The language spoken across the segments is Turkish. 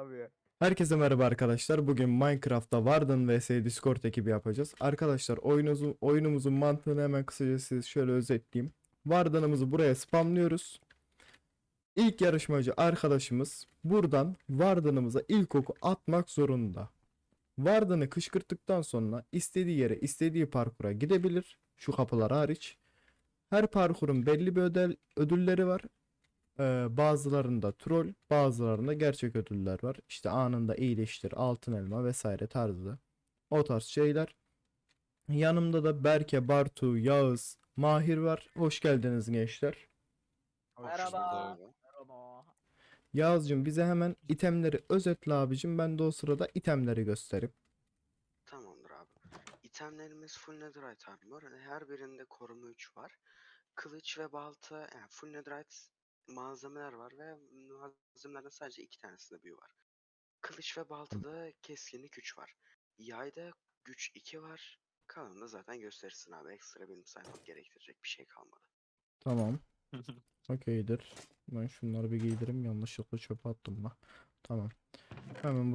abi ya. Herkese merhaba arkadaşlar. Bugün Minecraft'ta Warden vs Discord ekibi yapacağız. Arkadaşlar oyunumuzun mantığını hemen kısaca size şöyle özetleyeyim. Warden'ımızı buraya spamlıyoruz. İlk yarışmacı arkadaşımız buradan Warden'ımıza ilk oku atmak zorunda. Warden'ı kışkırttıktan sonra istediği yere, istediği parkura gidebilir. Şu kapılar hariç. Her parkurun belli bir ödülleri var. Bazılarında troll, bazılarında gerçek ödüller var. İşte anında iyileştir, altın elma vesaire tarzı. O tarz şeyler. Yanımda da Berke, Bartu, Yağız, Mahir var. Hoş geldiniz gençler. Merhaba. Merhaba. Merhaba. Yağız'cığım bize hemen itemleri özetle abicim. Ben de o sırada itemleri göstereyim. Tamamdır abi. İtemlerimiz full netherite armor. Her birinde koruma 3 var. Kılıç ve balta, yani full netherite malzemeler var ve malzemelerden sadece 2 tanesinde büyü var. Kılıç ve baltada keskinlik 3 var. Yayda güç 2 var. Kalanını zaten gösterirsin abi. Ekstra benim saymam gerektirecek bir şey kalmadı. Tamam. Okeydir. Ben şunları bir giydireyim. Yanlışlıkla çöpe attım da. Tamam. Hemen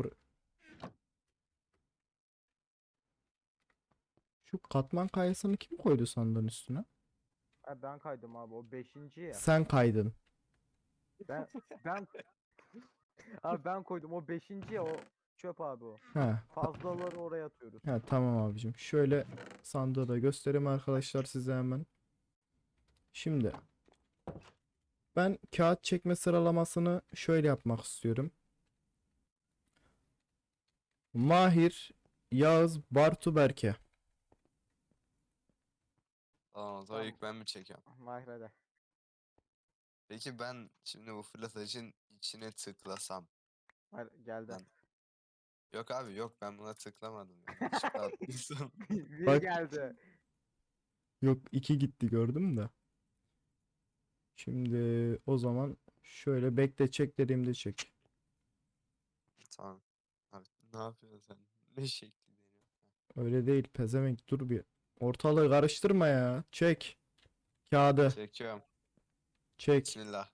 şu katman kayasını kim koydu sandığın üstüne? Ben kaydım abi, o 5. ya. Sen kaydın. Ben ben abi ben koydum, o 5. ya, o çöp abi o. He. Fazlaları oraya atıyoruz. Ha, tamam abicim. Şöyle sandığı da göstereyim arkadaşlar size hemen. Şimdi ben kağıt çekme sıralamasını şöyle yapmak istiyorum. Mahir, Yağız, Bartu, Berke. Tamam, o zaman ilk ben mi çekiyorum? Mahirede. Peki ben şimdi bu fırlatacın içine tıklasam. Hayır, geldi. Ben... Yok abi yok, ben buna tıklamadım. Yanlışlıkla attıysam. Bir Bak. geldi. Yok, 2 gitti gördüm de. Şimdi o zaman şöyle bekle, çek dediğimde çek. Tamam. Abi ne yapıyorsun sen? Ne şekli deniyor? Öyle değil pezevenk, dur bir. Ortalığı karıştırma ya. Çek. Kağıdı Çekiyorum. çek. Bismillah.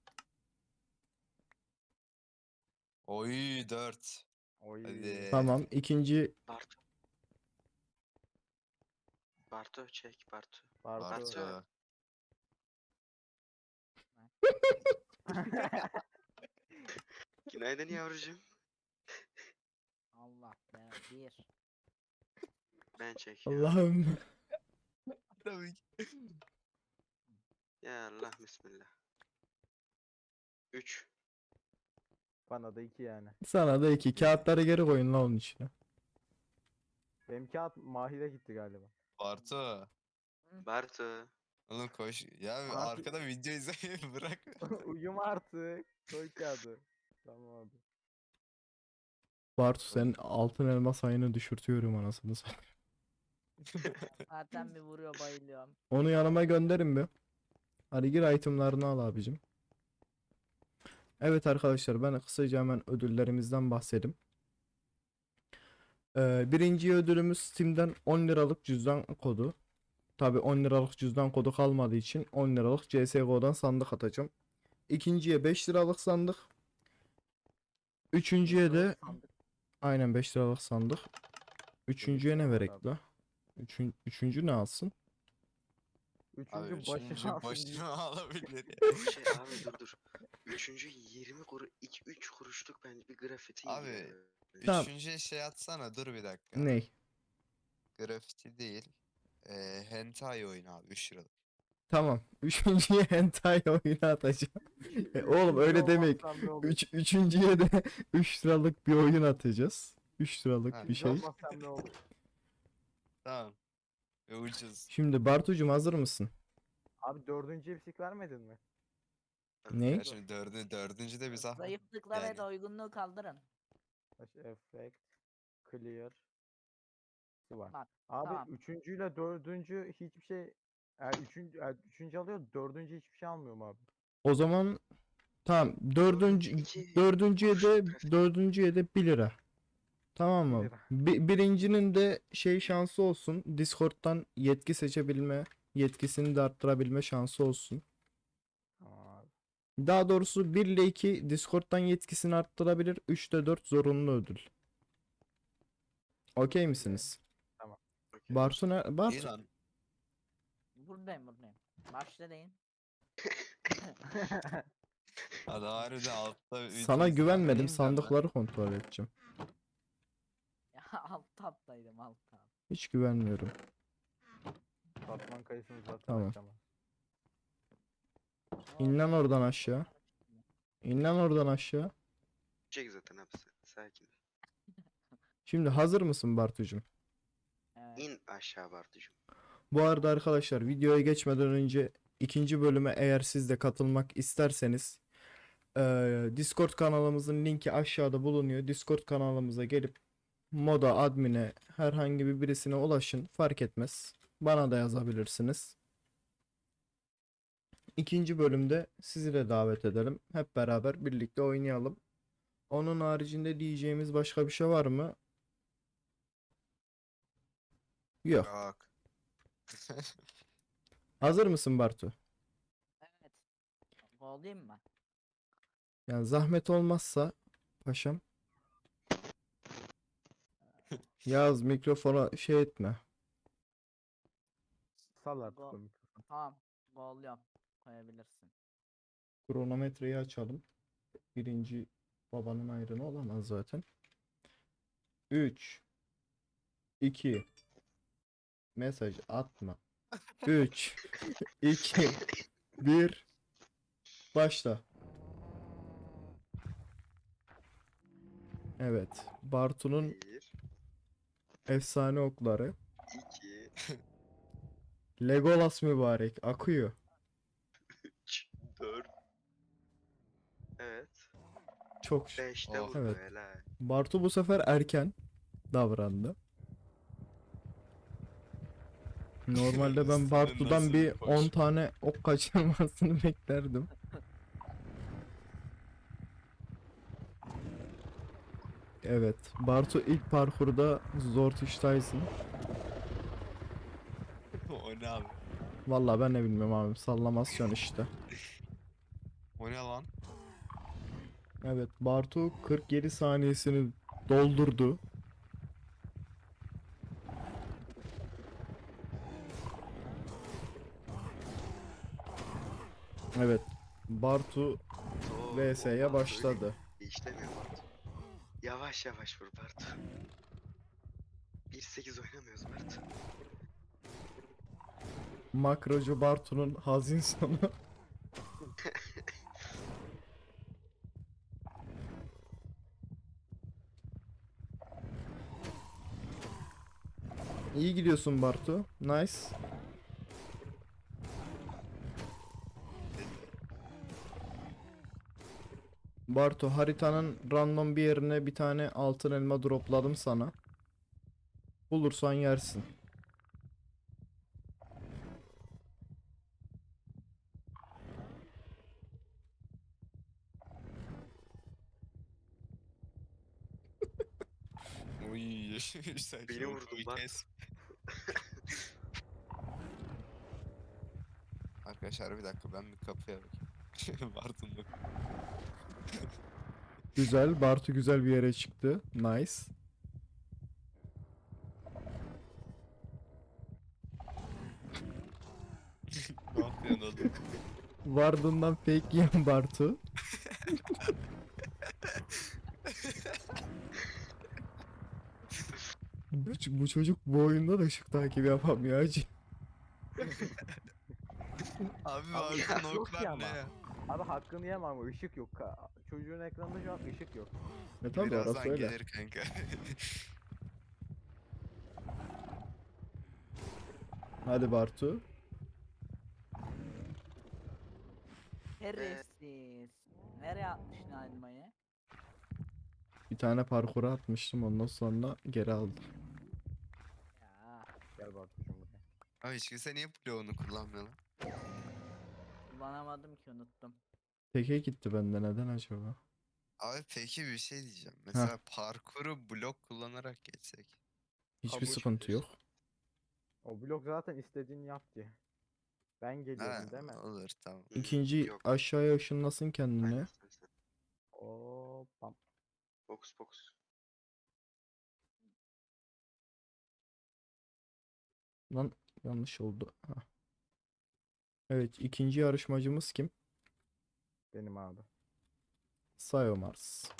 Oy 4. Oy. Hadi. Tamam, ikinci Bartu. Bartu çek Bartu. Bartu. Bartu. Günaydın yavrucuğum. Allah be. Bir. Ben çekiyorum. Allah'ım. Tabii ki. Ya Allah bismillah. 3. Bana da 2 yani. Sana da 2 kağıtları geri koyun la onun içine. Benim kağıt Mahir'e gitti galiba. Bartu. Bartu. Oğlum koş. Ya Abi- arkada video izlemeyi bırak. Uyum artık. Koy kağıdı. Tamam abi. Bartu, senin altın elma sayını düşürtüyorum anasını satayım. Zaten bir vuruyor bayılıyorum. Onu yanıma gönderin bir. Hadi gir itemlarını al abicim. Evet arkadaşlar, ben kısaca hemen ödüllerimizden bahsedeyim. Birinci ödülümüz Steam'den 10 liralık cüzdan kodu. Tabi 10 liralık cüzdan kodu kalmadığı için 10 liralık CSGO'dan sandık atacağım. İkinciye 5 liralık sandık. Üçüncüye de aynen 5 liralık sandık. Üçüncüye ne lira var verek abi. la? Üçüncü ne alsın? Abi Üçüncü başına üçüncü alsın. başına alabilir ya. Şey abi dur. Üçüncü 20 kuruş, 2-3 kuruşluk bence bir grafiti Abi, yiyor. Tamam. Üçüncüye şey atsana, dur bir dakika. Ney? Grafiti değil. Hentai oyunu abi 3 liralık. Tamam. Üçüncüye hentai oyunu atacağım. Oğlum öyle Üçüncü demek. olmazsam ne olur? Üçüncüye de 3 liralık bir oyun atacağız. 3 liralık Ha, bir şey. Olmazsam ne olur? Tamam. Ve ucuz. Şimdi Bartucuğum hazır mısın? Abi 4. ipsik vermedin mi? Ne? Ya şimdi dördüncü de bir zahmet. Zayıflıkla ve Yani. doygunluğu kaldırın. Effect, clear, var. Bak, Abi tamam. 3. ile 4. hiçbir şey, yani 3. alıyor, 4. hiçbir şey almıyorum abi. O zaman tamam. İki Dördüncüye de kuruş dördüncüye de 1 lira. Tamam Bir mı? lira. Birincinin de şey şansı olsun. Discord'dan yetki seçebilme, yetkisini de arttırabilme şansı olsun. Tamam abi. Daha doğrusu 1 ile 2 Discord'dan yetkisini arttırabilir. 3 ile 4 zorunlu ödül. Okey misiniz? Okey. Bartu ne? İyi Bartu. lan. Buradayım. Başla deyin. Adam harbiden altta Sana üçüncü güvenmedim. sırada ineceğim lan. Sandıkları kontrol edeceğim. Ya alt taptaydım alt tab. Hiç güvenmiyorum. Katman kayısını zaten Tamam. açamaz. İn lan oradan aşağı. İn lan oradan aşağı. Çek zaten abi sakin. Şimdi hazır mısın Bartucuğum? Evet. İn aşağı Bartucuğum. Bu arada arkadaşlar videoya geçmeden önce ikinci bölüme eğer siz de katılmak isterseniz Discord kanalımızın linki aşağıda bulunuyor. Discord kanalımıza gelip moda admine herhangi birisine ulaşın, fark etmez. Bana da yazabilirsiniz. İkinci bölümde sizi de davet edelim. Hep beraber birlikte oynayalım. Onun haricinde diyeceğimiz başka bir şey var mı? Yok. Yok. Hazır mısın Bartu? Evet. Olayım mı? Yani zahmet olmazsa paşam. Yaz mikrofona şey etme. Sal artık Go. o mikrofonu. Tamam. Golluyorum. Koyabilirsin. Kronometreyi açalım. Birinci babanın ayrını olamaz zaten. 3 2 mesaj atma. 3 2 1 başla. Evet. Bartu'nun 1, efsane okları. 2, Legolas mübarek akıyor. 3, 4. Evet. Çok 5'te Oh. vurdu Evet. helal. Bartu bu sefer erken davrandı. Normalde ben Senin Bartu'dan nasıl bir bir 10 koşu? tane ok kaçırmasını beklerdim. Evet, Bartu ilk parkurda Zortish Tyson. O ne abi? Vallahi ben ne bilmiyorum abi, sallamasyon işte. O ne lan? Evet, Bartu 47 saniyesini doldurdu. Evet, Bartu Oo, VS'ye Bartu başladı. öyle işlemiyor Bartu. Yavaş yavaş vur Bartu. 1-8 oynamıyoruz Bartu. Makrocu Bartu'nun hazin sonu. İyi gidiyorsun Bartu. Nice. Bartu, haritanın random bir yerine bir tane altın elma dropladım sana. Bulursan yersin. Uy. Sen Beni şu vurdun oku lan. kes. Arkadaşlar bir dakika ben bir kapıya bakayım. Bartın'da. Güzel. Bartu güzel bir yere çıktı. Nice. Ne yapıyorsun oğlum? Vardığından fake yiyen Bartu. Bu çocuk bu oyunda da ışık takibi yapamıyor hacı. Abi Abi Bartın ışık yok ki oklar ama. ne ya? Abi hakkını yemem ama ışık yok. Çocuğun ekranında şu an ışık yok. Tabii orası Birazdan öyle. gelir kanka. Hadi Bartu. Şerefsiz. Nereye atmışsın elmayı? Bir tane parkura atmıştım, ondan sonra geri aldım. Ya Gel Bartucuğum buraya. Abi hiç kimse niye bloğunu kullanmıyor lan? kullanamadım ki unuttum. Teke gitti bende, neden acaba? Abi peki bir şey diyeceğim. Mesela parkuru blok kullanarak geçsek. Hiçbir Kabuç sıkıntı yok. biliyorsun. O blok zaten istediğini yap ki. Ben Ha, geliyorum değil mi? olur tamam. İkinci Yok. aşağıya ışınlasın kendini. Aynen sen. Hoppa. Fokus fokus. Lan yanlış oldu. Hah. Evet, ikinci yarışmacımız kim? Benim abi. Sayomars.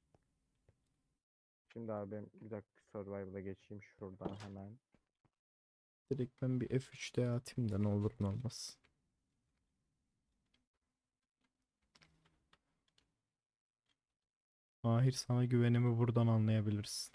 Şimdi abi ben bir dakika Survival'a geçeyim şuradan hemen. Direkt ben bir F3'te atayım da ne olur ne olmaz. Mahir, sana güvenimi buradan anlayabilirsin.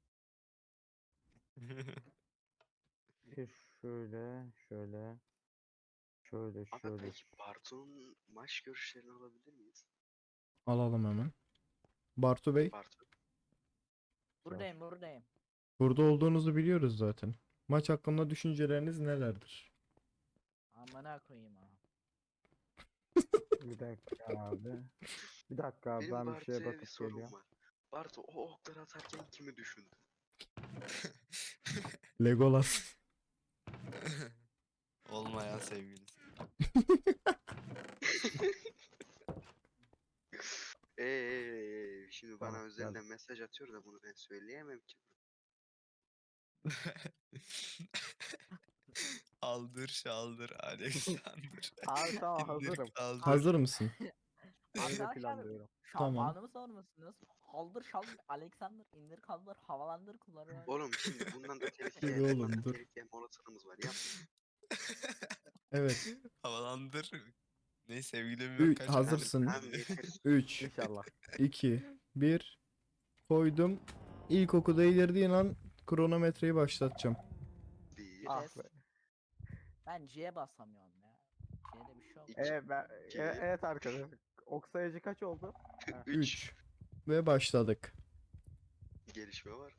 Şöyle, şöyle, şöyle, Abi şöyle. peki Bartu'nun maç görüşlerini alabilir miyiz? Alalım hemen. Bartu Bey, Bartu. Buradayım buradayım. burada olduğunuzu biliyoruz zaten. Maç hakkında düşünceleriniz nelerdir? Amına koyayım ha. Bir dakika abi. Bir dakika abi Benim ben bir şeye Bartu'ya bir bakıp sorum geliyorum. var. Bartu o okları atarken kimi düşündü? Legolas. Olmayan sevgilisi. Şimdi Tamam, bana özelden geldim. mesaj atıyor da bunu ben söyleyemem ki. Aldır şaldır Alexander. Abi tamam İndir hazırım. kaldır. Hazır mısın? Öyle Arkadaşlar planlıyorum. Tamam. şampuanımı sormuşsunuz. Haldır şaldır Alexander indir kaldır havalandır kulları. Oğlum şimdi bundan da Dur telif bundan oğlum, da dur. telif yeme olasılığımız var. Yapma. Evet. Havalandır. Ne sevgilim yok kaç Hazırsın. Tamam yeter. 3, İnşallah. 2, 1. Koydum. İlk oku değdirdiğin an kronometreyi başlatacağım. Bir, Ah Yes. be. Ben C'ye basamıyorum ya. C'de bir şey oldu. Evet arkadaşlar. Ok sayıcı kaç oldu? Ha. 3. Ve başladık. gelişme var.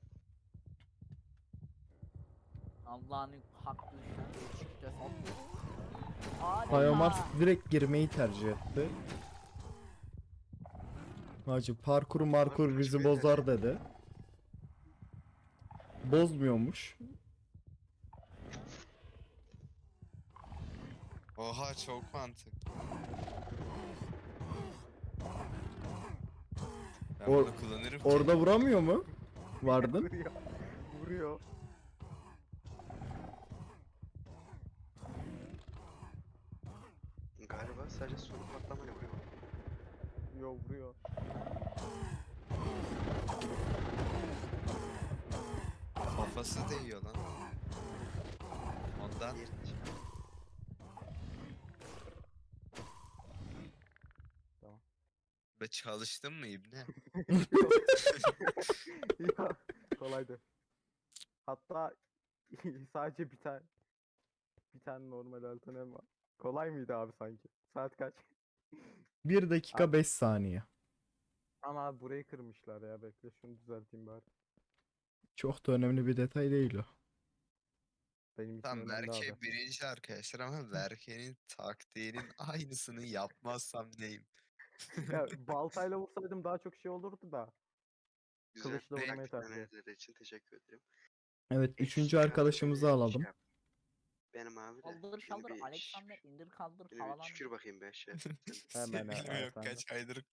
Allah'ın hakkı çıktı soktu. Adeta. Sayomars direkt girmeyi tercih etti. Hacı parkur markur bizi bozar dedi. Bozmuyormuş. Oha çok mantıklı. Ben Or- bunu kullanırım ki. Orada vuramıyor mu? Vardın. Vuruyor. Vuruyor. Galiba sadece sonu patlamayla vuruyor. Vuruyor vuruyor. Kafası değiyor lan. Ondan Diğer be çalıştın mı ibne? Ya, kolaydı. Hatta sadece bir tane normal alternatif var. Kolay mıydı abi sanki? Saat kaç? 1 dakika Abi- 5 saniye. Ama abi burayı kırmışlar ya. Bekle şunu düzelteyim bari. Çok da önemli bir detay değil o. Benim için Tam önemli abi. Berke birinci arkadaşlar ama Berke'nin taktiğinin aynısını yapmazsam neyim? Ya baltayla vursaydım daha çok şey olurdu da. güzel Kılıçla vurmayı taktik tercih analizleri için teşekkür ederim. Evet, üçüncü Ekstra, arkadaşımızı alalım. yap. Benim abi de. Kaldır Şimdi şaldır bir, Alexander indir kaldır şimdi bir havalandır. şükür bakayım ben şey. Hemen Sevgilim yok efendim. kaç aydır.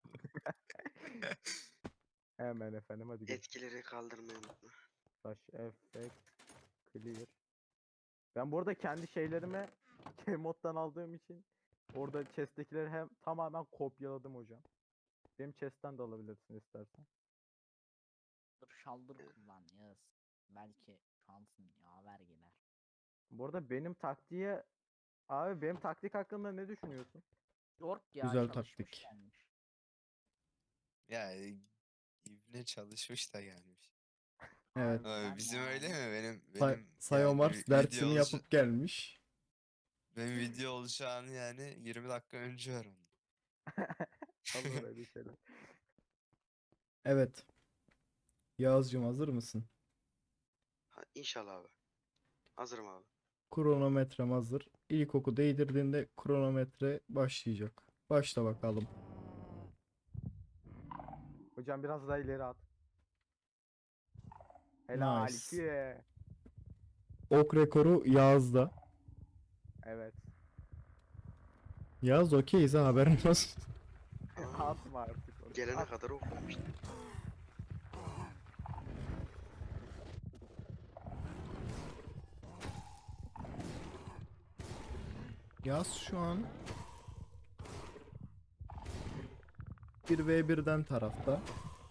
Hemen efendim hadi gel. Etkileri kaldırmayı unutma. Taş, effect, clear. Ben bu arada kendi şeylerimi moddan aldığım için orada chest'tekileri hem tamamen kopyaladım hocam. Benim chest'ten de alabilirsin istersen. Kaldır şaldır kullan yaz. Belki şansın yaver gider. Bu arada benim taktiğe abi benim taktik hakkında ne düşünüyorsun? York ya Güzel çalışmış taktik. gelmiş. Ya ibne çalışmış da gelmiş. Evet. Abi, bizim öyle mi? Benim Sayomars yani dersini video yapıp gelmiş. benim video olacağını yani 20 dakika önce öğrendim. Olur öyle şeyler. Evet. Yağız'cığım, hazır mısın? Ha, İnşallah abi. Hazırım abi. Kronometrem hazır. İlk oku değdirdiğinde kronometre başlayacak. Başla bakalım. Hocam biraz daha ileri at. Helal Nice. ki. Ok rekoru Yağız'da. Evet. Yaz okeyiz ha, haberin olsun. Aa, Atma artık onu. gelene At. kadar okumamıştım. Yaz şu an 1v1'den tarafta.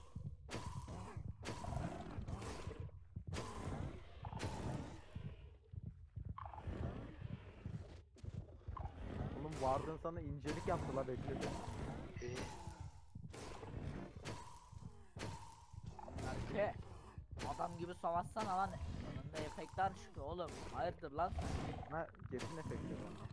Oğlum Warden sana incelik yaptı la bekledi. Ee, Berke. Adam gibi savaşsana lan. Önünde efektler çıkıyor oğlum. Hayırdır lan? Ha Jet'in efekti var.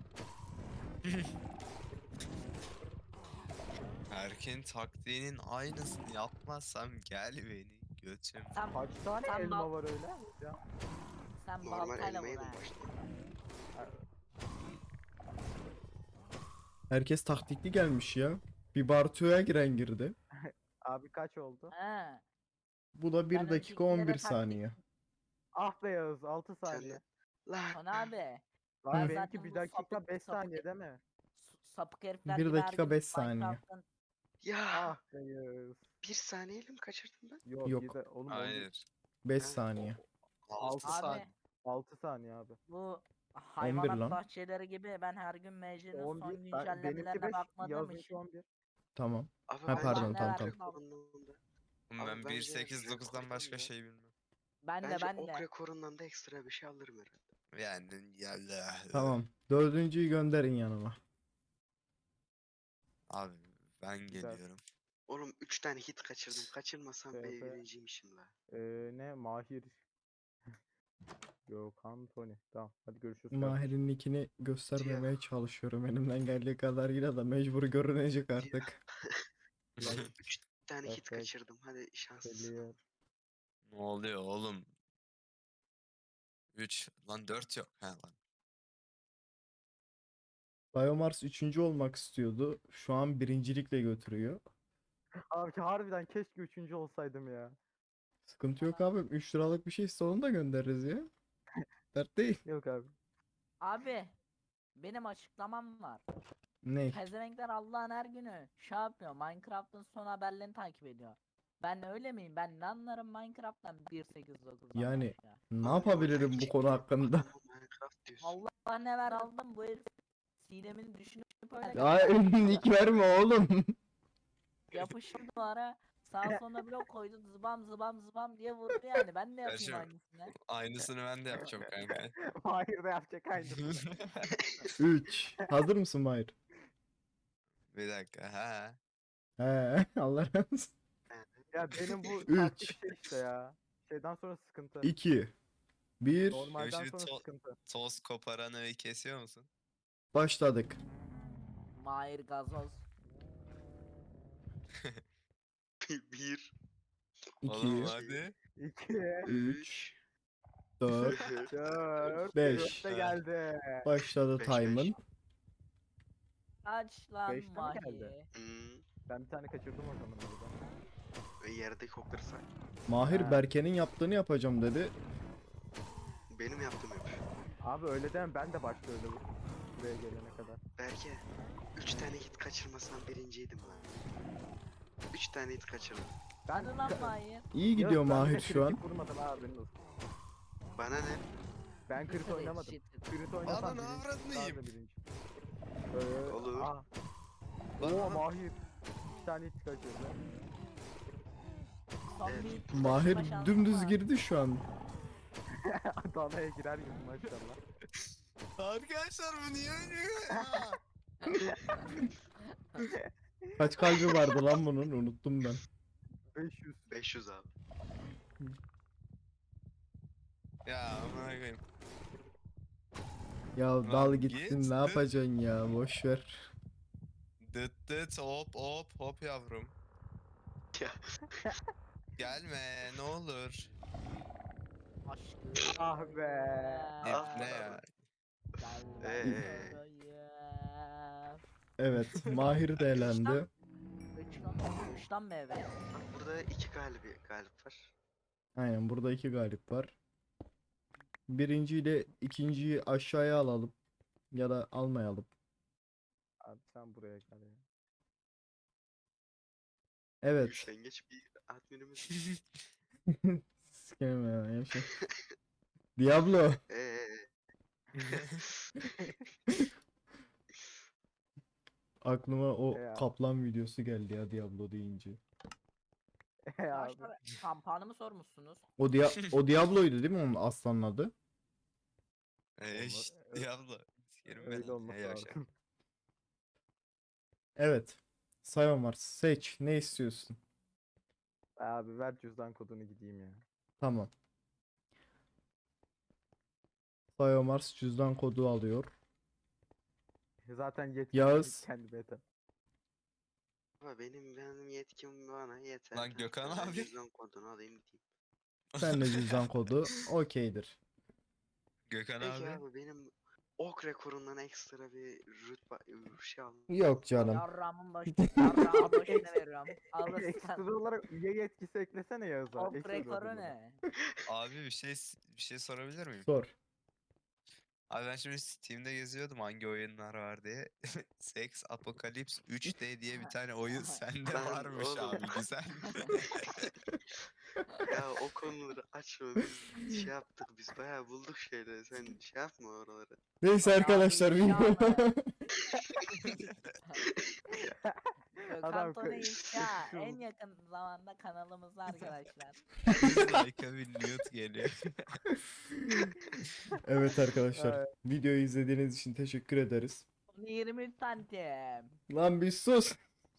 Berke'nin taktiğinin aynısını yapmazsam gel beni götüm. Sen, Kaç tane Sen elma bal- var öyle? Ya. sen normal baltayla elma vur yedim ha. başta. Herkes taktikli gelmiş ya. Bir Bartu'ya giren girdi. Abi kaç oldu? He. Bu da 1 Ben dakika öncekilere 11 taktik- saniye. Ah be Yağız 6 Sen saniye. de. Lan Son abi. Lan Ben benimki zaten 1 bu dakika sapık- 5 sapık- saniye değil mi? Sapık herifler 1 gibi her dakika gün 5 saniye. Minecraft'ın ya Ah be Yağız. bir saniyeyle mi kaçırdım ben? Yok, Yok. bir de oğlum Hayır. 5 Ha. saniye. 6 Abi saat. 6 saniye abi. bu 11 hayvanat lan. bahçeleri gibi ben her gün MC'nin son 11 benimki güncellemelerine 5 bakmadığım Yağız'ınki için 11. Tamam. Abi Ha, bence pardon, ne tamam, verdi tamam. lan? rekorundan da, Ben Abi bence 1.8.9'dan başka rekordan da- şey bilmem. bence Ben ok de. rekorundan da ekstra bir şey alırım herhalde. Yani yalla. Tamam. Dördüncüyü gönderin yanıma. Abi ben Güzel. geliyorum. Oğlum 3 tane hit kaçırdım. Kaçırmasam ben TP. birinciymişim la. Ne Mahir. Yok Tony. Tamam hadi görüşürüz. kardeşim. Mahir'in nickini göstermemeye çalışıyorum. Elimden geldiği kadarıyla da mecbur görünecek artık. 3 tane hit Perfect. kaçırdım. Hadi şanslısın. Clear. Ne oluyor oğlum? 3 lan 4 yok. Ha lan. Biomars 3. olmak istiyordu. Şu an birincilikle götürüyor. Abi harbiden keşke 3. olsaydım ya. Sıkıntı yok abi. 3 liralık bir şey onu da göndeririz ya. Dert değil. Yok abi. Abi benim açıklamam var. Ne? Pezevenkler Allah'ın her günü şey yapıyor. Minecraft'ın son haberlerini takip ediyor. Ben öyle miyim? Ben ne anlarım Minecraft'tan 1.8.9'dan Yani başka? ne Abi yapabilirim bu gerçek konu hakkında? adama Minecraft diyorsun. Allah ne ver aldım bu herif. Sinem'in düşünüp öyle Ya nick verme oğlum. yapıştı duvara. Sağ sonuna blok koydu zıbam zıbam zıbam diye vurdu yani. Ben de yapayım Gerçi- aynısını. Aynısını ben de yapacağım kanka. Mahir de yapacak aynısını. 3. Hazır mısın Mahir? Bir dakika ha. He, Allah razı olsun. Ya benim bu Üç. taktik şey işte ya. Şeyden sonra sıkıntı. 2. 1. Normalden Şimdi sonra to- sıkıntı. Toz koparanı kesiyor musun? Başladık. Mahir gazoz. 1 Oğlum 2. hadi. 2, 3. 4. 4, Beş. de geldi. Başladı Beş, time'ın. beş. Aç lan Beşte mi Mahir. geldi? Ben bir tane kaçırdım o zaman orada. Ve yerdeki okları say. Mahir Ha. Berke'nin yaptığını yapacağım dedi. Benim yaptığım yapıyor. Abi öyle deme ben de başta öyle buraya gelene kadar. Berke 3 tane hit kaçırmasam birinciydim lan. 3 tane hit kaçırdım. Ben Hadi lan Mahir. İyi Yok, gidiyor ben bir de Mahir şu an. kritik vurmadım abi benim olsun. Bana ne? Ben crit oynamadım. Crit oynasam Ananı birinci. avradını daha yiyeyim. da birinci. Olur. Ah. Lan Oo ama- Mahir. Bir tane hit kaçırdı. Son Evet. bir Mahir taşıma şansım dümdüz var. girdi şu an. Danaya girer gibi maşallah. Arkadaşlar bu niye ölüyor ya? Kaç kalbi vardı lan bunun? Unuttum ben. 500. 500 abi. Ya amına koyayım. Ya Lan dal git, gitsin ne dıt. yapacaksın ya boş ver. Dıt dıt hop hop hop yavrum. Ya. Gelme ne olur. Aşkım. Ah be. Ah Ne be. ya? Evet Mahir de elendi. Üçten mi eve? Burada 2 galip var. Aynen burada 2 galip var. Birinci ile ikinciyi aşağıya alalım. Ya da almayalım. Abi abi sen buraya gel ya. Evet. Üşengeç bir adminimiz. Sikerim ya yaşa. Diablo. Eee. Aklıma o Ya. kaplan videosu geldi ya Diablo deyince. Abi. Arkadaşlar kampanımı sormuşsunuz. O Diablo'ydu değil mi onun aslanın adı? Şşt Diablo. Sikerim ben Öyle onu. olması Yavşak. lazım. Evet. Sayomar seç. Ne istiyorsun? Abi ver cüzdan kodunu gideyim ya. Tamam. Sayomars cüzdan kodu alıyor. Zaten yetkilerim Yağız. kendi beta. Ama benim yetkim bana yeter. Lan Gökhan Ben abi. cüzdan kodunu alayım gideyim. Sen de cüzdan kodu okeydir. Gökhan Peki abi. abi benim ok rekorundan ekstra bir rütbe şey aldım. Yok canım. Yarrağımın yarrağımın başına veriyorum. Alırsın. Ekstra olarak üye yetkisi eklesene Yağız'a. Ok Ekstra rekoru ödül olarak. ne? Abi bir şey sorabilir miyim? Sor. Abi ben şimdi Steam'de geziyordum hangi oyunlar var diye. Sex Apocalypse 3D diye bir tane oyun sende Lan varmış oğlum. abi güzel. Ya o konuları açma biz şey yaptık biz bayağı bulduk şeyleri sen şey yapma oraları. Neyse Abi arkadaşlar inşallah. video. Adam Kantona inşa şu- en yakın zamanda kanalımızda arkadaşlar. Like'a bir nude geliyor. Evet arkadaşlar. Ay. Videoyu izlediğiniz için teşekkür ederiz. 20 santim. Lan bir sus.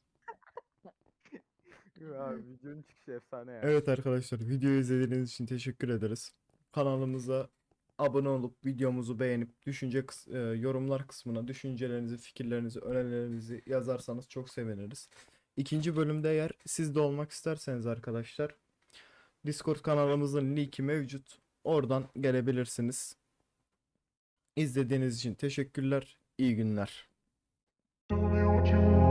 Abi videonun çıkışı efsane ya. Evet arkadaşlar videoyu izlediğiniz için teşekkür ederiz. Kanalımıza abone olup videomuzu beğenip yorumlar kısmına düşüncelerinizi, fikirlerinizi, önerilerinizi yazarsanız çok seviniriz. İkinci bölümde eğer siz de olmak isterseniz arkadaşlar Discord kanalımızın linki mevcut. Oradan gelebilirsiniz. İzlediğiniz için teşekkürler. İyi günler.